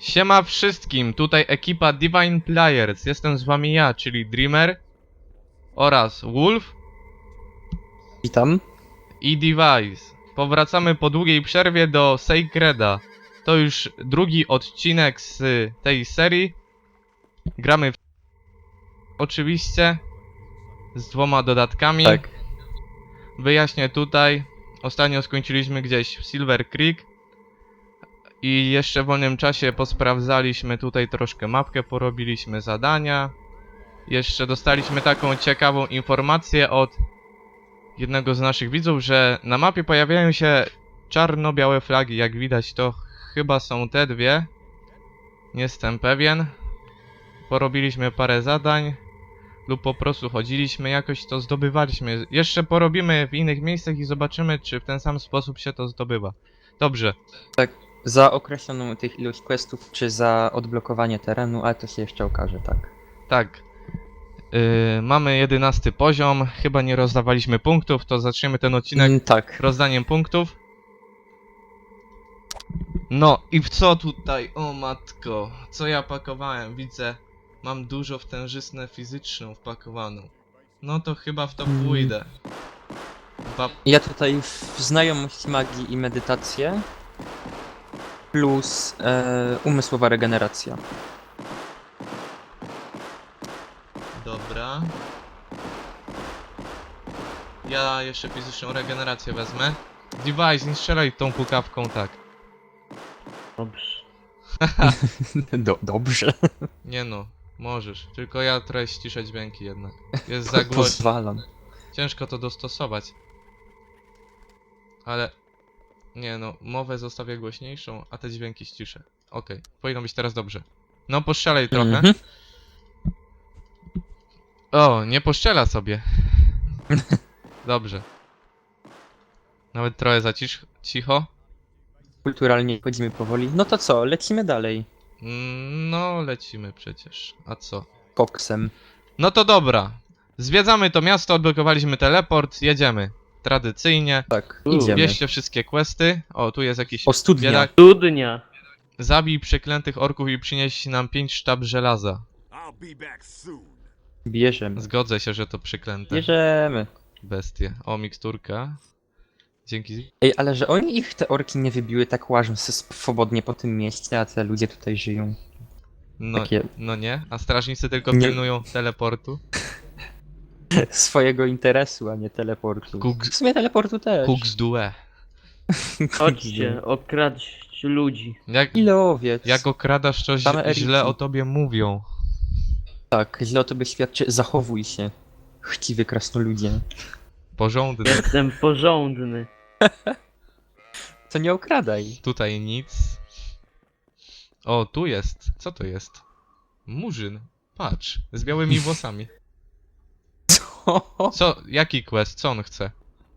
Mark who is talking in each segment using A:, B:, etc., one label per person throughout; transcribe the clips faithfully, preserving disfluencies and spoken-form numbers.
A: Siema wszystkim, tutaj ekipa Divine Players. Jestem z wami ja, czyli Dreamer oraz Wolf
B: Witam.
A: i Device. Powracamy po długiej przerwie do Sacreda. To już drugi odcinek z tej serii. Gramy w... oczywiście z dwoma dodatkami.
B: Tak.
A: Wyjaśnię tutaj. Ostatnio skończyliśmy gdzieś w Silver Creek. I jeszcze w wolnym czasie posprawdzaliśmy tutaj troszkę mapkę, porobiliśmy zadania. Jeszcze dostaliśmy taką ciekawą informację od jednego z naszych widzów, że na mapie pojawiają się czarno-białe flagi. Jak widać, to chyba są te dwie. Nie jestem pewien. Porobiliśmy parę zadań lub po prostu chodziliśmy, jakoś to zdobywaliśmy. Jeszcze porobimy w innych miejscach i zobaczymy, czy w ten sam sposób się to zdobywa. Dobrze.
B: Tak. Za określoną tych ilość questów, czy za odblokowanie terenu, ale to się jeszcze okaże, tak.
A: Tak. Yy, mamy jedenasty poziom. Chyba nie rozdawaliśmy punktów, to zaczniemy ten odcinek
B: Mm, tak.
A: rozdaniem punktów. No i w co tutaj? O matko, co ja pakowałem? Widzę, mam dużo wtężyznę fizyczną wpakowaną. No to chyba w to
B: Mm.
A: pójdę. Dwa...
B: Ja tutaj w znajomość magii i medytację plus e, umysłowa regeneracja.
A: Dobra. Ja jeszcze fizyczną regenerację wezmę. Device, nie strzelaj tą pukawką tak.
C: Dobrze.
B: Do, dobrze.
A: Nie no, możesz. Tylko ja trochę ściszę dźwięki jednak. Jest za głośno.
B: Pozwalam.
A: Ciężko to dostosować. Ale... Nie no, mowę zostawię głośniejszą, a te dźwięki ściszę. Okej, okay. Powinno być teraz dobrze. No, postrzelaj trochę.
B: Mhm.
A: O, nie poszczela sobie. Dobrze. Nawet trochę za cisz cicho.
B: Kulturalnie chodzimy powoli. No to co, lecimy dalej.
A: Mm, No, lecimy przecież. A co?
B: Koksem.
A: No to dobra. Zwiedzamy to miasto, odblokowaliśmy teleport, jedziemy. Tradycyjnie.
B: Tak,
C: U,
B: idziemy.
A: Bierzcie wszystkie questy. O, tu jest jakiś
B: O, studnia.
A: biedak.
C: Studnia.
A: Zabij przeklętych orków i przynieś nam pięć sztab żelaza.
B: Bierzemy.
A: Zgodzę się, że to przeklęte
B: Bierzemy.
A: bestie. O, miksturka. Dzięki.
B: Ej, ale że oni ich te orki nie wybiły, tak łażą se swobodnie po tym mieście, a te ludzie tutaj żyją.
A: No,
B: Takie
A: no nie, a strażnicy tylko
B: Nie-
A: pilnują teleportu.
B: swojego interesu, a nie teleportu.
A: Kuks-
B: W sumie teleportu też.
A: Kuks due.
C: Chodźcie, okraść ludzi.
A: Jak,
B: Ile owiec?
A: jak okradasz, to
B: Same
A: źle,
B: elity.
A: źle o tobie mówią.
B: Tak, źle o tobie świadczy. Zachowuj się. Chciwy krasnoludzie.
A: Porządny.
C: Jestem porządny.
B: To nie okradaj.
A: Tutaj nic. O, tu jest. Co to jest? Murzyn. Patrz, z białymi włosami.
B: Co?
A: Co? Jaki quest? Co on chce?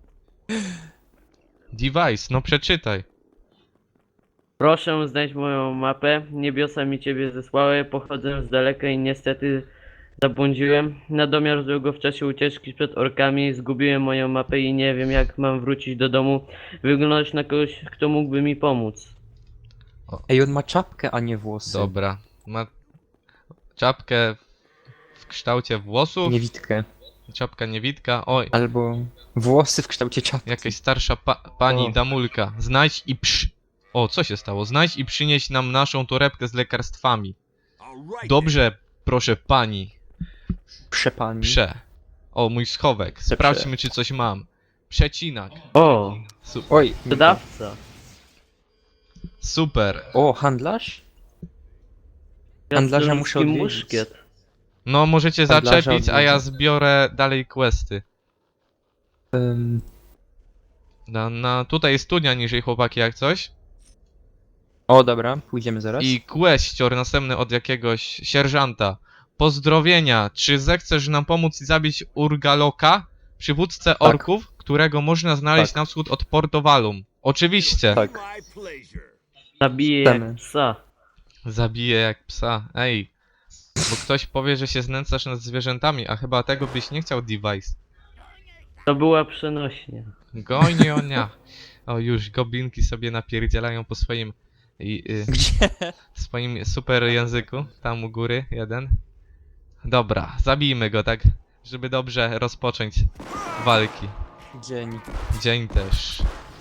A: Device, no przeczytaj.
C: Proszę znać moją mapę. Niebiosa mi ciebie zesłały. Pochodzę z daleka i niestety zabłądziłem. Na domiar złego w czasie ucieczki przed orkami zgubiłem moją mapę i nie wiem jak mam wrócić do domu. Wyglądać na kogoś, kto mógłby mi pomóc.
B: Ej, on ma czapkę, a nie włosy.
A: Dobra. Ma czapkę w kształcie włosów.
B: Niewidkę.
A: Czapka niewidka. Oj,
B: Albo włosy w kształcie czapki.
A: jakaś starsza pa pani
B: O.
A: damulka. Znajdź i przy... O, co się stało? Znajdź i przynieś nam naszą torebkę z lekarstwami. Dobrze, proszę pani.
B: Przepani.
A: Prze. O, mój schowek.
B: Prze-
A: Sprawdźmy, czy coś mam. Przecinak.
C: O,
A: Su
B: Oj.
C: sprzedawca.
A: super.
B: O, handlarz? Handlarza muszę
C: Krasnoludzki
B: odwiedzić.
C: muszkiet.
A: No, możecie
B: Handlarza
A: zaczepić, a ja
B: odwiedzę.
A: zbiorę dalej questy.
B: Ym,
A: Na, na, tutaj jest studnia niżej, chłopaki, jak coś.
B: o, dobra, pójdziemy zaraz.
A: I questor następny od jakiegoś sierżanta. Pozdrowienia. Czy zechcesz nam pomóc i zabić Urgaloka, przywódcę orków, którego można znaleźć
B: Tak.
A: na wschód od Portowalum? Oczywiście.
B: Tak.
C: Zabije jak
B: Chcemy.
C: psa.
A: Zabiję jak psa. Ej. Bo ktoś powie, że się znęcasz nad zwierzętami, a chyba tego byś nie chciał, Device.
C: To była przenośnia.
A: Gojnionia. O, już goblinki sobie napierdzielają po swoim I, y,
B: Gdzie?
A: w swoim super języku, tam u góry, jeden. Dobra, zabijmy go tak, żeby dobrze rozpocząć walki.
B: Dzień.
A: Dzień też.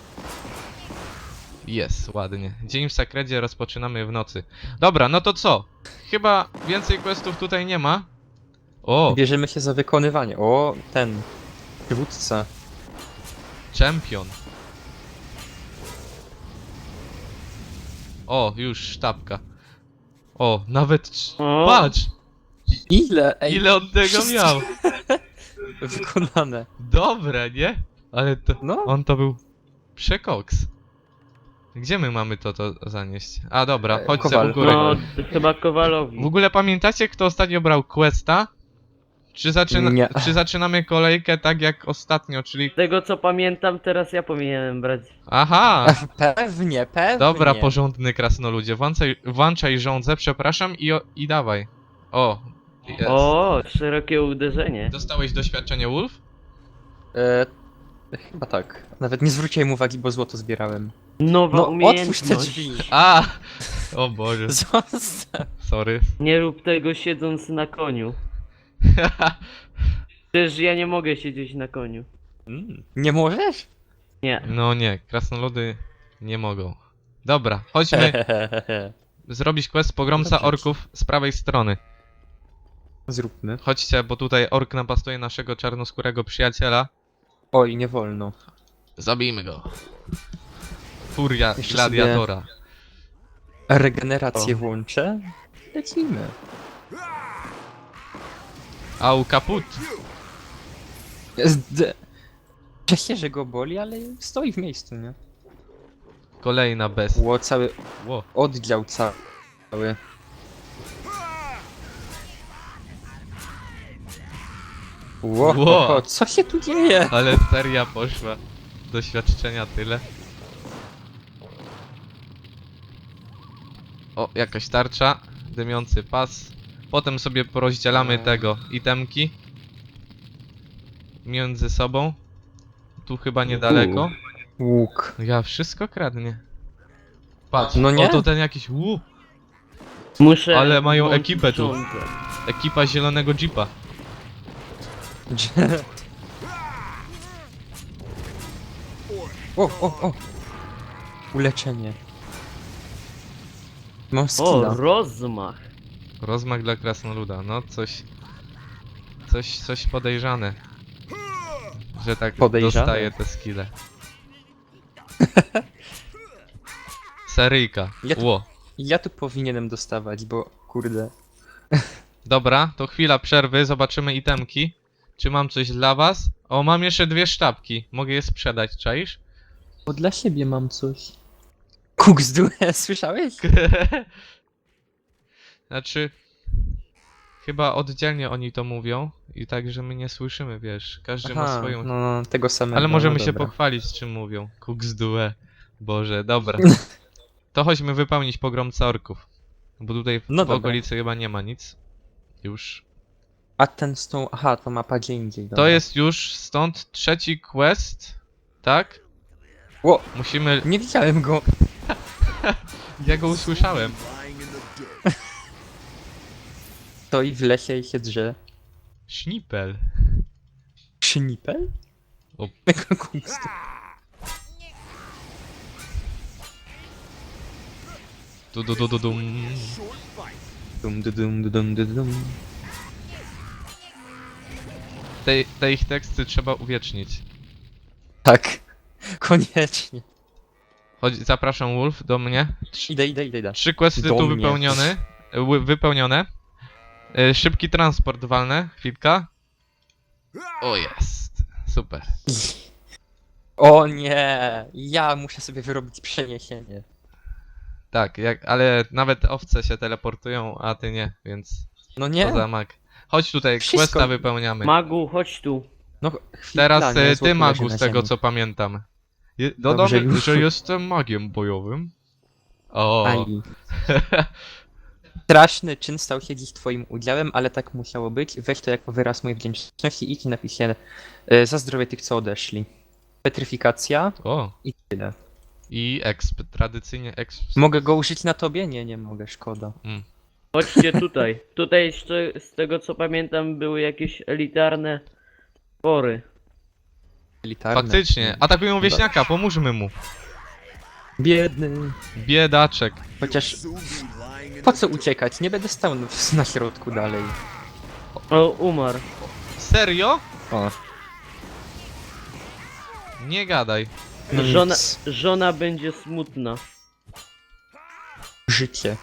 A: Jest, ładnie. Dzień w Sakredzie rozpoczynamy w nocy. Dobra, no to co? Chyba więcej questów tutaj nie ma. O,
B: Bierzemy się za wykonywanie. O, ten. Przywódca.
A: Champion. O, już sztabka. O, nawet... trz-
C: O.
A: Patrz!
B: Ile? Ej,
A: Ile on tego
B: wszystko
A: miał?
B: wykonane.
A: Dobre, nie? Ale to...
B: No.
A: On to był... Przekoks. Gdzie my mamy to, to zanieść? A dobra,
B: E,
A: chodźcie
B: Kowal.
A: u góry.
C: No, chyba Kowalowi.
A: W ogóle pamiętacie, kto ostatnio brał questa? Czy, zaczyna...
B: Nie.
A: Czy zaczynamy kolejkę tak jak ostatnio, czyli...
C: Z tego co pamiętam, teraz ja powinienem brać.
A: Aha!
B: Pewnie, pewnie.
A: Dobra, porządny krasnoludzie. Włączaj, włączaj żądzę, przepraszam i, o, i dawaj. O, jest.
C: O, szerokie uderzenie.
A: Dostałeś doświadczenie Wolf?
B: E, chyba tak. Nawet nie zwróciłem uwagi, bo złoto zbierałem.
C: Nowa
B: No, otwórz te
C: umiejętność.
B: drzwi.
A: A! O Boże,
B: Zostaw.
A: sorry.
C: Nie rób tego siedząc na koniu. Przecież ja nie mogę siedzieć na koniu.
B: Mm, nie możesz?
C: Nie.
A: No nie, krasnoludy nie mogą. Dobra, chodźmy zrobić quest pogromca
B: Dobrze.
A: orków z prawej strony.
B: Zróbmy.
A: Chodźcie, bo tutaj ork napastuje naszego czarnoskórego przyjaciela.
B: Oj, nie wolno.
A: Zabijmy go. Furia
B: Jeszcze
A: gladiatora.
B: Regenerację
C: O.
B: włączę. Lecimy.
A: Au kaput.
B: Zd- Cieszę, że go boli, ale stoi w miejscu, nie?
A: Kolejna bez.
B: Ło, cały
A: Ło.
B: oddział cały. Ło,
A: Ło.
B: o, co się tu dzieje?
A: Ale seria poszła. Doświadczenia tyle. O, jakaś tarcza. Dymiący pas. Potem sobie porozdzielamy tego itemki. Między sobą. Tu chyba niedaleko.
B: Łuk.
A: Ja wszystko kradnie. Patrz,
B: No nie?
A: o to ten jakiś łup.
C: Muszę.
A: Ale mają
C: włączyć
A: ekipę tu.
C: rządzę.
A: Ekipa zielonego jeepa.
B: O, o, o. Uleczenie. Mam
C: O,
B: skilla.
C: rozmach.
A: Rozmach dla krasnoluda. No coś... Coś, coś podejrzane. Że tak
B: Podejrzane?
A: dostaje te skille. Seryjka.
B: Ja tu-
A: Ło.
B: Ja tu powinienem dostawać, bo kurde.
A: Dobra, to chwila przerwy, zobaczymy itemki. Czy mam coś dla was? O, mam jeszcze dwie sztabki. Mogę je sprzedać, czaisz?
B: Bo dla siebie mam coś. Kuk z due, słyszałeś?
A: Znaczy... Chyba oddzielnie oni to mówią i tak, że my nie słyszymy, wiesz. Każdy ma
B: Aha,
A: swoją...
B: no, no, tego samego.
A: Ale możemy
B: no
A: się
B: dobra.
A: pochwalić, czym mówią. Kuk z due. Boże, dobra. To chodźmy wypełnić pogromca orków. Bo tutaj w
B: No
A: w
B: dobra.
A: okolicy chyba nie ma nic. Już.
B: A ten z tą... Aha, to mapa gdzie indziej.
A: To
B: dobra.
A: jest już stąd trzeci quest, tak?
B: Ło,
A: Musimy...
B: nie widziałem go.
A: Ja go usłyszałem.
B: Stoi w lesie i się drze.
A: Sznipel.
B: Sznipel?
A: O.
B: Kuk z due.
A: Du, du, du, du, dum.
B: Dum, dum, dum, dum, dum, dum.
A: Te, te ich teksty trzeba uwiecznić.
B: Tak. Koniecznie.
A: Chodź, zapraszam Wolf do mnie. Trz
B: Idę, idę, idę, idę.
A: trzy questy
B: Do
A: tu
B: mnie.
A: wypełnione. wy- Wypełnione. E, Szybki transport walne. Chwilka. O, jest. Super.
B: O nie! Ja muszę sobie wyrobić przeniesienie.
A: Tak, jak, ale nawet owce się teleportują, a ty nie, więc
B: No nie?
A: to za mag. Chodź tutaj,
B: Wszystko-
A: questa wypełniamy.
C: Magu, chodź tu.
B: No chwila,
A: Teraz
B: nie,
A: e,
B: złoto
A: ty Magu,
B: leży
A: z
B: na
A: tego
B: ziemi.
A: co pamiętam. Je,
B: Dobrze,
A: dodamy,
B: już.
A: że jestem magiem bojowym. O,
B: Aj. Straszny czyn stał się dziś twoim udziałem, ale tak musiało być. Weź to jako wyraz mojej wdzięczności i idź napisz się e, za zdrowie tych, co odeszli. Petryfikacja
A: o,
B: i tyle.
A: I exp, tradycyjnie exp.
B: Mogę go użyć na tobie? Nie, nie mogę, szkoda.
A: Mm.
C: Chodźcie tutaj. Tutaj jeszcze, z tego co pamiętam, były jakieś elitarne spory.
B: Elitarne.
A: Faktycznie, atakują wieśniaka, pomóżmy mu.
B: Biedny.
A: Biedaczek.
B: Chociaż po co uciekać? Nie będę stał na- na środku dalej.
C: O, umarł.
A: Serio?
B: O,
A: Nie gadaj.
B: no
C: Żona,
B: nic.
C: żona będzie smutna.
B: Życie.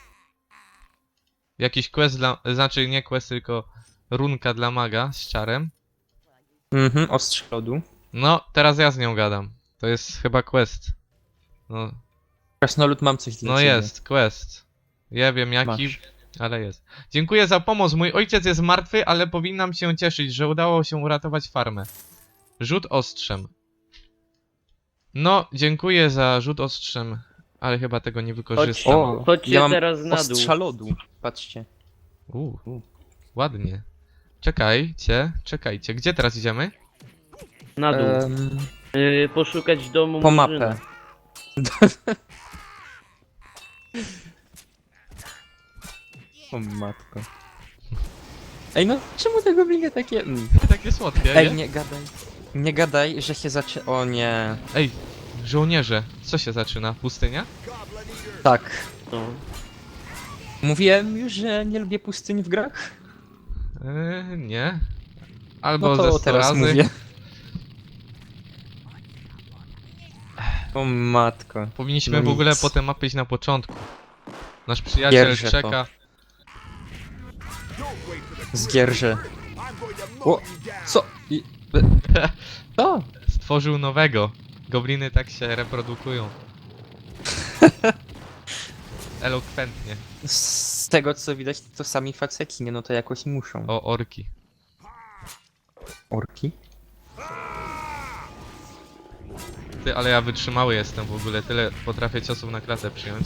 A: Jakiś quest dla, znaczy nie quest, tylko runka dla maga z czarem.
B: Mhm, ostrze lodu.
A: No, teraz ja z nią gadam. To jest chyba quest. No,
B: Krasnolud, mam coś dla
A: no
B: ciebie.
A: jest, quest. Ja wiem jaki,
B: Masz.
A: ale jest. Dziękuję za pomoc. Mój ojciec jest martwy, ale powinnam się cieszyć, że udało się uratować farmę. Rzut ostrzem. No, dziękuję za rzut ostrzem, ale chyba tego nie wykorzystam.
B: O,
C: Chodźcie
B: ja mam
C: teraz na dół.
B: ostrza lodu. Patrzcie.
A: U, ładnie. Czekajcie, czekajcie. Gdzie teraz idziemy?
C: Na dół.
B: Em,
C: Y, poszukać domu
B: po
C: Murzyna.
B: mapę. O matko. Ej no, czemu te gobliny takie... Mm.
A: Takie słodkie,
B: Ej,
A: nie?
B: nie gadaj. Nie gadaj, że się zacznie... O nie.
A: Ej, żołnierze, co się zaczyna? Pustynia?
B: Tak.
C: No.
B: Mówiłem już, że nie lubię pustyni w grach?
A: Yy, nie. Albo
B: No
A: ze
B: to
A: sto
B: teraz
A: razy.
B: mówię. O matko.
A: Powinniśmy
B: No
A: w ogóle
B: nic.
A: po tę mapę iść na początku. Nasz przyjaciel
B: Gierże to.
A: czeka.
B: Zgierże. O, co? I... e, Co?
A: Stworzył nowego. Gobliny tak się reprodukują. Elokwentnie.
B: Z tego co widać, to sami faceci, nie? No to jakoś muszą.
A: O, orki.
B: Orki?
A: Ty, ale ja wytrzymały jestem w ogóle. Tyle potrafię ciosów na klatę przyjąć.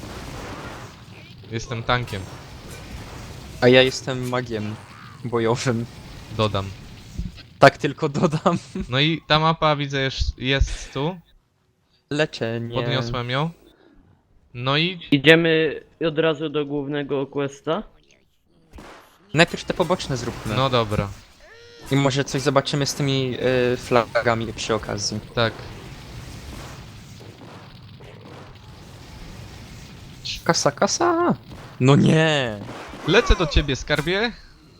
A: Jestem tankiem.
B: A ja jestem magiem bojowym.
A: Dodam.
B: Tak tylko dodam.
A: No i ta mapa widzę jest, jest tu.
B: Leczenie.
A: Podniosłem ją. No i
C: Idziemy od razu do głównego questa.
B: Najpierw te poboczne zróbmy.
A: no dobra.
B: I może coś zobaczymy z tymi y, flagami przy okazji.
A: Tak.
B: Kasa, kasa! No nie!
A: Lecę do ciebie, skarbie.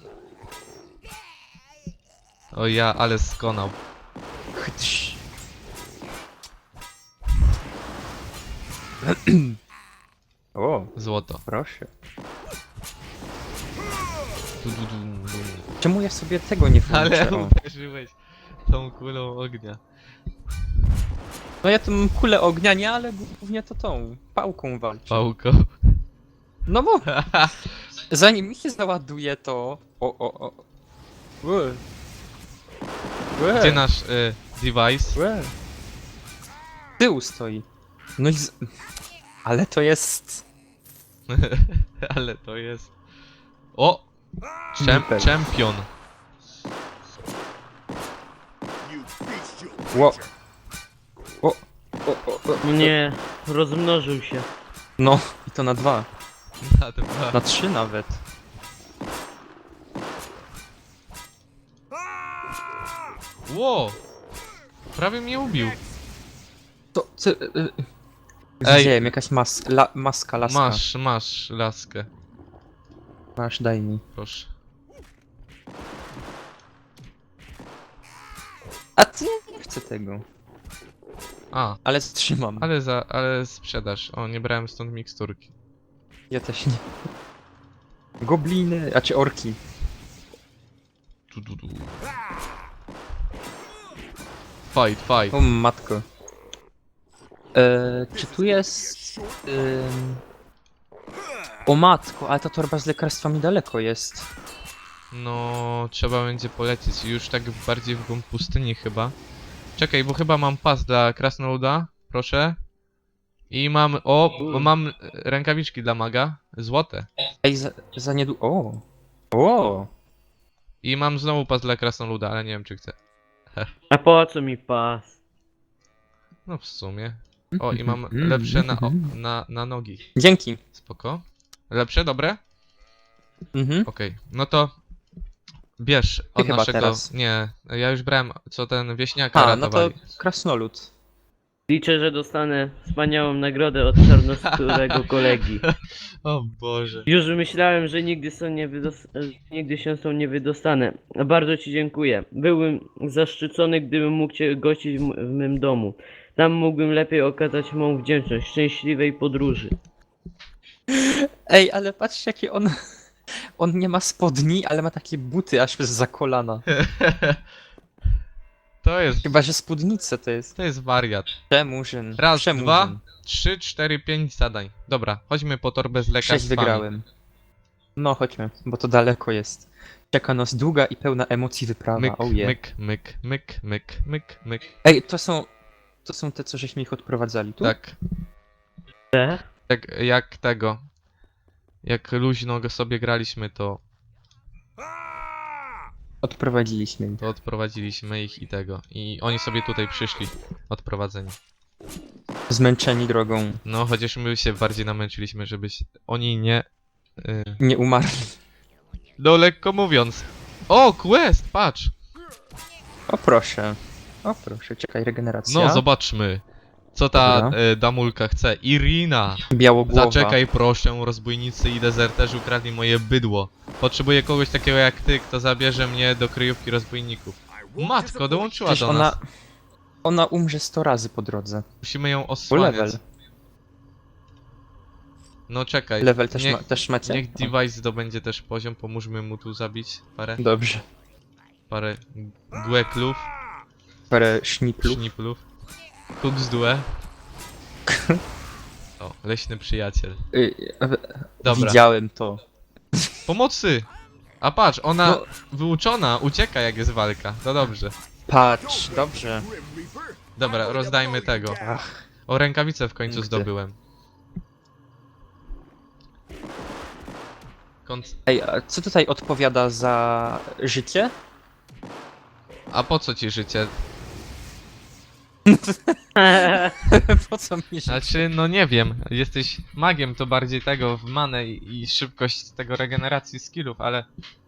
A: O ja, ale skonał.
B: Chytś. O,
A: Złoto.
B: proszę.
A: Du, du, du, du.
B: Czemu ja sobie tego nie włączę?
A: Ale
B: O.
A: uderzyłeś tą kulą ognia.
B: No ja tą kulę ognia nie, ale głównie to tą pałką walczę.
A: Pałko.
B: No bo zanim mi się załaduje to... O, o, o. Łe. Łe.
A: Gdzie nasz y, device?
B: Łe. Z tyłu stoi. No i z... Ale to jest...
A: Ale to jest... O! Czem
B: Nipel.
A: Champion.
B: Ło. O, o, o, o.
C: Nie, rozmnożył się.
B: No, i to na dwa.
A: Na dwa.
B: Na trzy nawet.
A: Ło! Prawie mnie ubił.
B: To, co... y, y,
A: Ej.
B: Widziałem, jakaś mas, la, maska, laska.
A: Masz, masz laskę.
B: Masz, daj mi.
A: Proszę.
B: A ty nie chcę tego.
A: A,
B: Ale trzymam.
A: ale za, ale sprzedaż. O, nie brałem stąd miksturki.
B: Ja też nie. Gobliny, a czy orki.
A: Tu, tu, tu. Fight, fight.
B: O matko. Eee, czy tu jest... Ym... O matko, ale ta torba z lekarstwami daleko jest.
A: No, trzeba będzie polecieć już tak bardziej w głąb pustyni chyba. Czekaj, bo chyba mam pas dla krasnoluda, proszę. I mam, o, bo mam rękawiczki dla maga, złote.
B: Ej, za, za niedługo... O! O!
A: I mam znowu pas dla krasnoluda, ale nie wiem czy chcę.
C: A po co mi pas?
A: No w sumie. O, i mam
B: Mm,
A: lepsze na, o,
B: mm.
A: na, na nogi.
B: Dzięki.
A: Spoko. Lepsze, dobre?
B: Mhm.
A: Okej, no to bierz od
B: chyba
A: naszego...
B: teraz.
A: Nie, ja już brałem, co ten wieśniaka
B: A, no to
A: ratowali.
B: krasnolud.
C: Liczę, że dostanę wspaniałą nagrodę od czarnoskórego kolegi.
A: O Boże.
C: Już myślałem, że nigdy, są nie wydos- nigdy się są nie wydostanę. Bardzo ci dziękuję. Byłbym zaszczycony, gdybym mógł cię gościć w, m- w mym domu. Tam mógłbym lepiej okazać mą wdzięczność. Szczęśliwej podróży.
B: Ej, ale patrzcie jakie on... On nie ma spodni, ale ma takie buty aż za kolana.
A: To jest...
B: Chyba, że spódnicę to jest.
A: To jest wariat.
B: Przemurzyn.
A: Raz,
B: Przemurzyn.
A: dwa, trzy, cztery, pięć zadań. Dobra, chodźmy po torbę z
B: Sześć
A: lekarstwami.
B: wygrałem. No chodźmy, bo to daleko jest. Czeka nas długa i pełna emocji wyprawa.
A: Myk,
B: Oh yeah.
A: myk, myk, myk, myk, myk, myk.
B: Ej, to są... To są te, co żeśmy ich odprowadzali tu?
A: Tak,
C: Te?
A: jak, jak tego. Jak luźno go sobie graliśmy, to,
B: Odprowadziliśmy ich.
A: to odprowadziliśmy ich i tego. I oni sobie tutaj przyszli, odprowadzeni.
B: Zmęczeni drogą.
A: No, chociaż my się bardziej namęczyliśmy, żeby się... oni nie... y,
B: Nie umarli.
A: No, lekko mówiąc. O, quest, patrz!
B: O proszę. O proszę, czekaj, regeneracja.
A: No, zobaczmy. Co ta
B: Dobra.
A: y, damulka chce. Irina!
B: Białogłowa.
A: Zaczekaj proszę, rozbójnicy i dezerterzy ukradli moje bydło. Potrzebuję kogoś takiego jak ty, kto zabierze mnie do kryjówki rozbójników. Matko, dołączyła
B: Przecież
A: do
B: ona...
A: nas.
B: Ona umrze sto razy po drodze.
A: Musimy ją
B: Full
A: osłaniać.
B: level.
A: No czekaj.
B: Level też,
A: niech,
B: ma, też macie?
A: niech device zdobędzie też poziom, pomóżmy mu tu zabić parę,
B: Dobrze.
A: parę głeklów,
B: Parę szniplów.
A: szniplów. Kuksdue. O, leśny przyjaciel.
B: Y, y,
A: Dobra.
B: Widziałem to.
A: Pomocy! A patrz, ona
B: No.
A: wyuczona, ucieka jak jest walka. To dobrze.
B: Patrz, dobrze.
A: Dobra, rozdajmy tego.
B: Ach,
A: O, rękawicę w końcu
B: Nigdy.
A: zdobyłem. Kont...
B: ej, a co tutaj odpowiada za życie?
A: A po co ci życie?
B: Po co mi życie?
A: Znaczy, no nie wiem. Jesteś magiem, to bardziej tego w manę i, i szybkość tego regeneracji skillów, ale...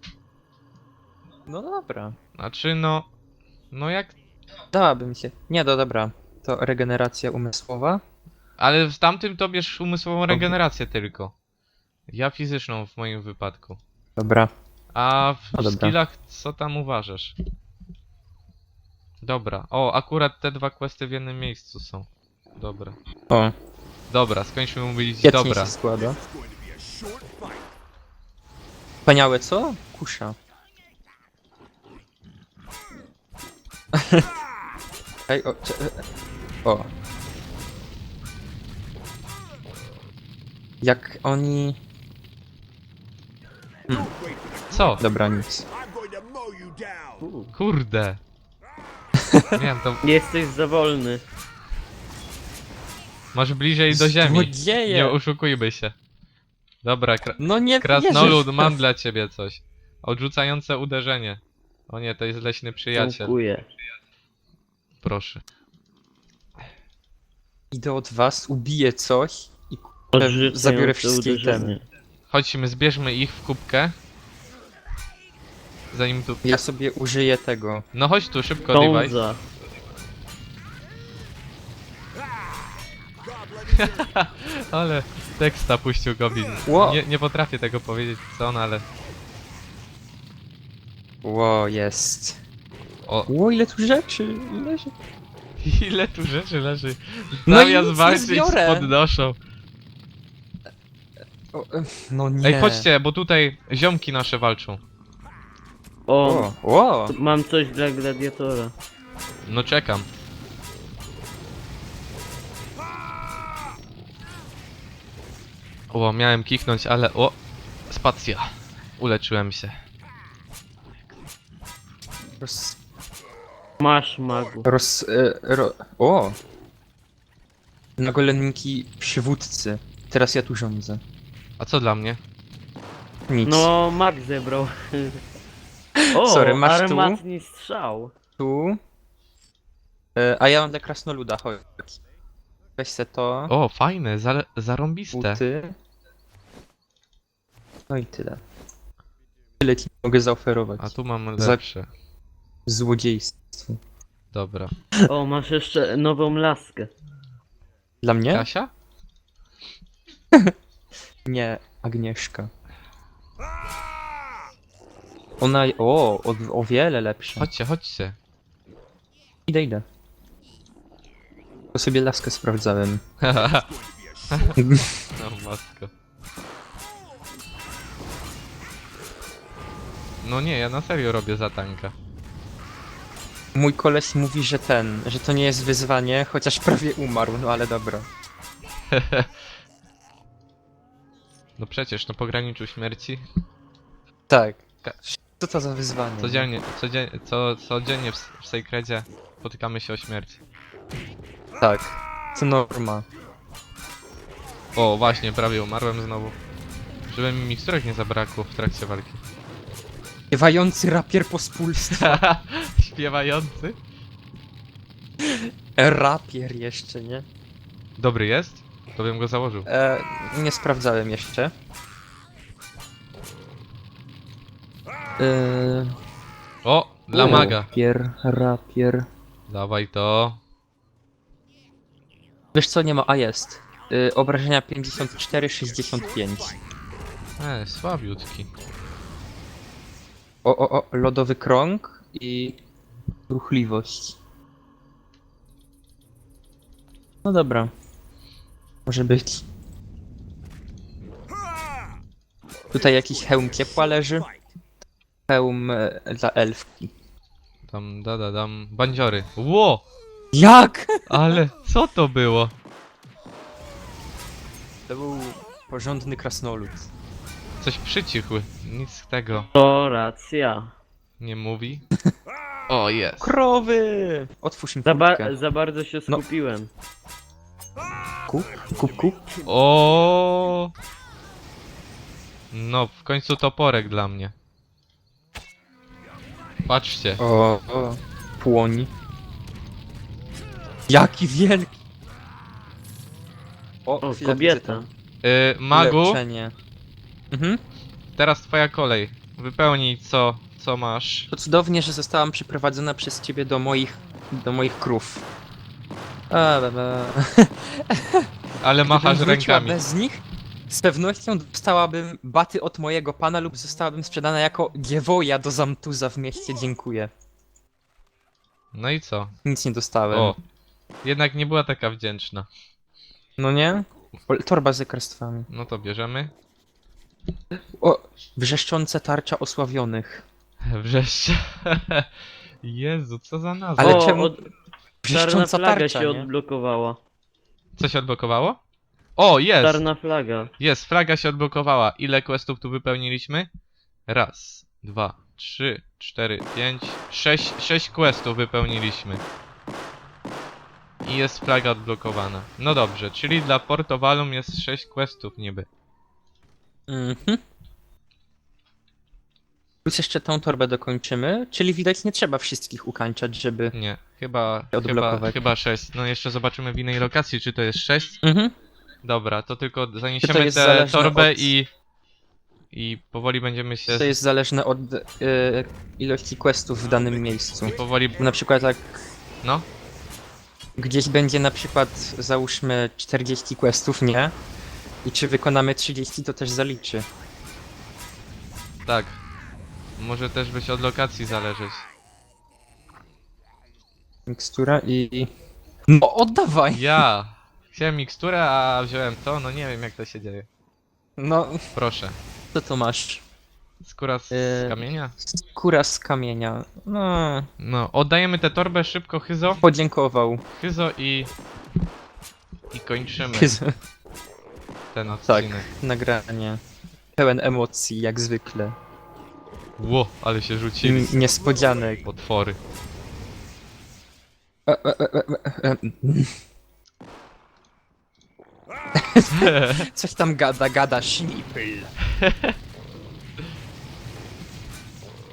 B: No dobra.
A: Znaczy, no... No jak...
B: Dałabym się. Nie, no dobra. To regeneracja umysłowa.
A: Ale w tamtym to bierz umysłową regenerację tylko. Ja fizyczną w moim wypadku.
B: Dobra.
A: A w
B: No dobra.
A: skillach co tam uważasz? Dobra. O, akurat te dwa questy w jednym miejscu są. Dobra.
B: O,
A: Dobra, skończmy mówić
B: świetnie
A: dobra.
B: się składa. Wspaniałe, co? Kusza. Ej, o, cze- o. Jak oni...
A: Co?
B: Dobra, nic.
A: Kurde. Miałem to...
C: Jesteś za wolny.
A: Masz bliżej do ziemi.
B: Złodzieje!
A: Nie oszukujmy się. Dobra, kra
B: No nie
A: krasnolud,
B: wierzę w
A: mam
B: to.
A: dla ciebie coś. Odrzucające uderzenie. O nie, to jest leśny przyjaciel.
C: Dziękuję.
A: Proszę.
B: Idę od was, ubiję coś i
C: Odrzucające
B: zabiorę wszystkie
C: uderzenie.
A: Chodźmy, zbierzmy ich w kubkę. Zanim tu...
B: ja sobie użyję tego.
A: No chodź tu, szybko, device.
C: Tonza.
A: Ale teksta puścił Goblin.
B: Ło.
A: Nie, nie potrafię tego powiedzieć co on, ale...
B: Ło, jest.
A: O,
B: Ło, ile tu rzeczy, ile rzeczy.
A: ile tu rzeczy leży.
B: No i
A: Zamiast
B: nic nie
A: walczyć
B: zbiorę.
A: podnoszą.
B: O, e, no nie.
A: Ej, chodźcie, bo tutaj ziomki nasze walczą.
C: O,
B: O, o.
C: mam coś dla gladiatora.
A: No czekam. O, miałem kichnąć, ale o, spacja. Uleczyłem się.
B: Roz...
C: Masz, magu.
B: roz e, ro, o. Nagolenki przywódcy. Teraz ja tu rządzę.
A: A co dla mnie?
B: Nic.
C: No, mag zebrał. O,
B: Sorry, masz tu?
C: armatni strzał.
B: Tu. E, a ja mam dla krasnoluda, chodź. Weź se to.
A: O, fajne, zale- zarąbiste.
B: Buty. No i tyle. Tyle ci mogę zaoferować.
A: A tu mam
B: Za-
A: lepsze.
B: Złodziejstwo.
A: Dobra.
C: O, masz jeszcze nową laskę.
B: Dla mnie?
A: Kasia?
B: Nie, Agnieszka. Ona... O, o, o wiele lepsza.
A: Chodźcie, chodźcie.
B: Idę, idę. To sobie laskę sprawdzałem.
A: No matko. No nie, ja na serio robię za tanka.
B: Mój koleś mówi, że ten, że to nie jest wyzwanie, chociaż prawie umarł, no ale dobra.
A: No przecież, na pograniczu śmierci.
B: Tak.
A: Ka-
B: Co to za wyzwanie?
A: Codziennie, codziennie, co, codziennie w, w Sacredzie spotykamy się o śmierć.
B: Tak. To norma.
A: O, właśnie, prawie umarłem znowu. Żeby mi miksturek nie zabrakło w trakcie walki.
B: Śpiewający rapier pospólstwa.
A: Śpiewający.
B: Rapier jeszcze, nie?
A: Dobry jest? To bym go założył.
B: E, nie sprawdzałem jeszcze. E,
A: O, dla maga.
B: Rapier, rapier.
A: Dawaj to.
B: Wiesz co, nie ma, a jest. E, obrażenia pięćdziesiąt cztery, sześćdziesiąt pięć.
A: E, słabiutki.
B: O, o, o, lodowy krąg i ruchliwość. No dobra. Może być. Tutaj jakiś hełm ciepła leży. Hełm e, dla elfki.
A: Tam, da, da, dam. Bandziory. Ło!
B: Jak?
A: Ale co to było?
B: To był porządny krasnolud.
A: Coś przycichły. Nic z tego
C: To racja.
A: nie mówi. O, jest.
B: Krowy! Otwórz im
C: Za, ba
B: furtkę.
C: za bardzo się
B: No.
C: skupiłem.
B: Kup, kup, kup.
A: O. No, w końcu toporek dla mnie. Patrzcie.
B: O, o. Płoń. Jaki wielki!
C: O,
B: chwila, widzę
C: kobieta.
B: tam.
A: Y, magu,
B: Leczenie. Mhm.
A: teraz twoja kolej. Wypełnij co, co masz.
B: To cudownie, że zostałam przyprowadzona przez ciebie do moich, do moich krów. A, ba, ba.
A: Ale machasz
B: Gdybym wróciła
A: rękami.
B: bez nich, z pewnością dostałabym baty od mojego pana lub zostałabym sprzedana jako dziewoja do Zamtuza w mieście. Dziękuję.
A: No i co?
B: Nic nie dostałem.
A: O. Jednak nie była taka wdzięczna.
B: No nie? O, torba z lekarstwami.
A: No to bierzemy.
B: O, wrzeszczące tarcza osławionych.
A: Wreszcie. Jezu, co za nazwa.
B: Ale
C: o,
B: czemu-
C: od... czarna
B: Wrzeszcząca
C: flaga
B: tarcza,
C: się
B: nie?
C: odblokowała.
A: Co się odblokowało? O, jest!
C: Czarna flaga.
A: Jest, flaga się odblokowała. Ile questów tu wypełniliśmy? Raz, dwa, trzy, cztery, pięć, sześć, sześć questów wypełniliśmy. I jest flaga odblokowana. No dobrze, czyli dla Portovalum jest sześć questów niby.
B: Mhm. Plus jeszcze tą torbę dokończymy, czyli widać nie trzeba wszystkich ukańczać, żeby...
A: Nie, chyba, chyba,
B: Odblokować.
A: chyba sześć. No jeszcze zobaczymy w innej lokacji, czy to jest sześć.
B: Mhm.
A: Dobra, to tylko
B: Czy to
A: zaniesiemy
B: jest
A: tę
B: zależne
A: torbę
B: od-
A: i... I powoli będziemy się...
B: To jest zależne od e, ilości questów w danym miejscu.
A: Powoli...
B: Na przykład jak
A: No,
B: gdzieś będzie na przykład załóżmy czterdzieści questów, nie? I czy wykonamy trzydzieści, to też zaliczy.
A: tak. Może też być od lokacji zależeć.
B: Mikstura i... No oddawaj!
A: Ja chciałem miksturę, a wziąłem to, no nie wiem jak to się dzieje.
B: No,
A: Proszę.
B: co to masz?
A: Skóra z,
B: Yy.
A: z kamienia?
B: Skóra z kamienia. No,
A: No, oddajemy tę torbę szybko, Hyzo.
B: podziękował.
A: Hyzo i... I kończymy ten
B: Tak,
A: odcinek.
B: nagranie. Pełen emocji, jak zwykle.
A: Ło, ale się
B: I
A: rzucili.
B: m- niespodzianek.
A: Potwory.
B: E, e, e, e, e, e. Coś tam gada, gada, sznipl.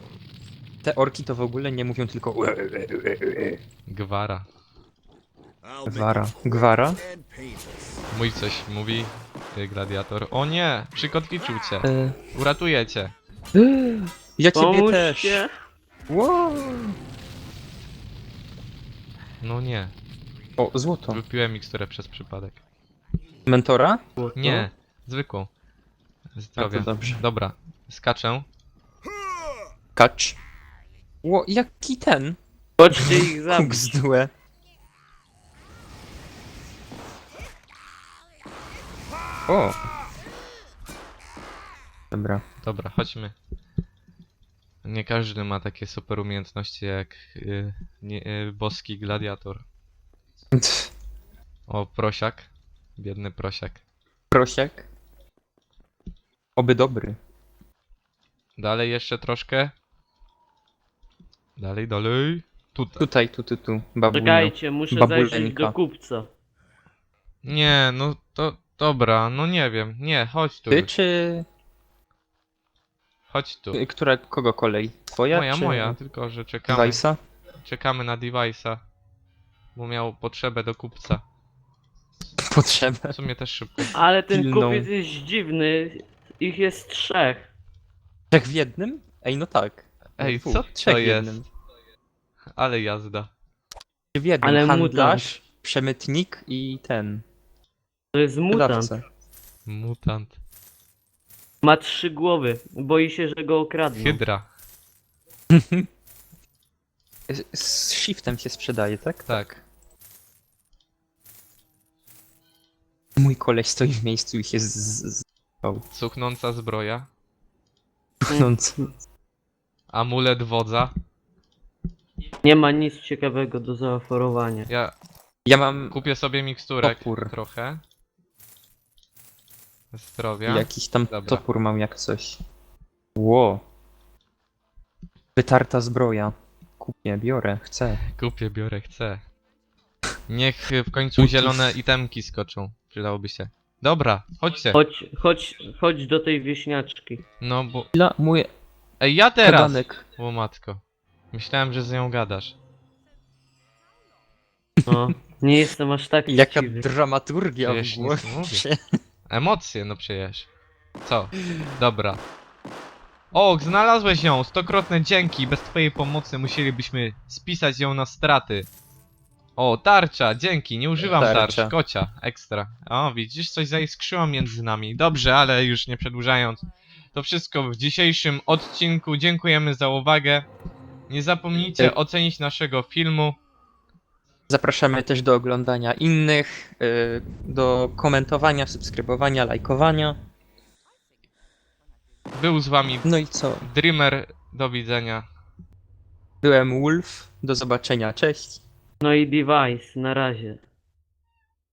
B: Te orki to w ogóle nie mówią tylko ue, ue, ue, ue.
A: Gwara.
B: Gwara. Gwara?
A: Mój coś mówi, y, gladiator. O nie, przykotwiczył cię.
B: E...
A: Uratuję cię.
B: Ja ciebie też.
C: Pomóżcie!
B: Wow.
A: No nie,
B: O, złoto.
A: wypiłem miksturę przez przypadek.
B: Mentora?
A: Nie, zwykłą. Zdrowia.
B: A, to dobrze.
A: Dobra, skaczę.
B: Kacz. Ło, jaki ten?
C: Chodźcie ich zabić.
B: Kuksdłe. O. Dobra.
A: Dobra, chodźmy. Nie każdy ma takie super umiejętności jak y, nie, y, boski gladiator.
B: Tf,
A: O, prosiak. Biedny prosiak.
B: prosiak. Oby dobry.
A: Dalej jeszcze troszkę. Dalej, dalej. Tutaj.
B: Tutaj, tu, tu, tu. Babunio.
C: Czekajcie, muszę
B: Babuleńka.
C: zajrzeć do kupca.
A: Nie, no to dobra, no nie wiem. Nie, chodź tu.
B: Ty czy...
A: Chodź tu.
B: Która, kogo kolej? Twoja
A: Moja,
B: czy...
A: moja, tylko że czekamy.
B: Weissa?
A: Czekamy na device'a. Bo miał potrzebę do kupca.
B: Potrzebę.
A: W sumie też szybko.
C: Ale ten
B: Pilną.
C: kupiec jest dziwny. Ich jest trzech.
B: Trzech w jednym? Ej, no tak.
A: Ej,
B: Dwóch.
A: co
B: Trzech
A: to
B: w
A: jest?
B: jednym.
A: Ale jazda.
B: W jednym.
C: Ale
B: Handlarz, przemytnik i ten.
C: To jest mutant.
B: Wydawca.
A: Mutant.
C: Ma trzy głowy. Boi się, że go okradną.
A: Hydra.
B: Z- Z shiftem się sprzedaje, tak?
A: Tak.
B: Mój koleś stoi w miejscu i się z... z... z... O,
A: Cuchnąca zbroja.
B: pchnąc.
A: Amulet wodza.
C: Nie ma nic ciekawego do zaoferowania.
A: Ja
B: Ja mam
A: kupię sobie miksturek
B: Topór.
A: trochę. Zdrowia.
B: jakiś tam
A: Dobra.
B: topór mam jak coś. Ło. Wytarta zbroja. Kupię, biorę, chcę.
A: Kupię, biorę, chcę. Niech w końcu
B: Utów.
A: zielone itemki skoczą. Przydałoby się. Dobra, chodźcie.
C: Chodź, chodź, chodź do tej wieśniaczki.
A: No bo...
B: Dla mój
A: Ej, ja teraz!
B: kadanek.
A: O matko. Myślałem, że z nią gadasz.
C: No, nie jestem aż tak
B: Jaka
C: chciwy.
B: dramaturgia w
A: Przecież nic nie
B: głowie.
A: Emocje, no przecież. Co? Dobra. O, znalazłeś ją! Stokrotne dzięki! Bez twojej pomocy musielibyśmy spisać ją na straty. O, tarcza! Dzięki! Nie używam
B: Tarcza.
A: tarcz. Kocia. Ekstra. O, widzisz? Coś zaiskrzyło między nami. Dobrze, ale już nie przedłużając. To wszystko w dzisiejszym odcinku. Dziękujemy za uwagę. Nie zapomnijcie
B: Ej.
A: ocenić naszego filmu.
B: Zapraszamy też do oglądania innych, y, do komentowania, subskrybowania, lajkowania.
A: Był z wami
B: No i co?
A: Dreamer. Do widzenia.
B: Byłem Wolf. Do zobaczenia. Cześć.
C: No i device, na razie.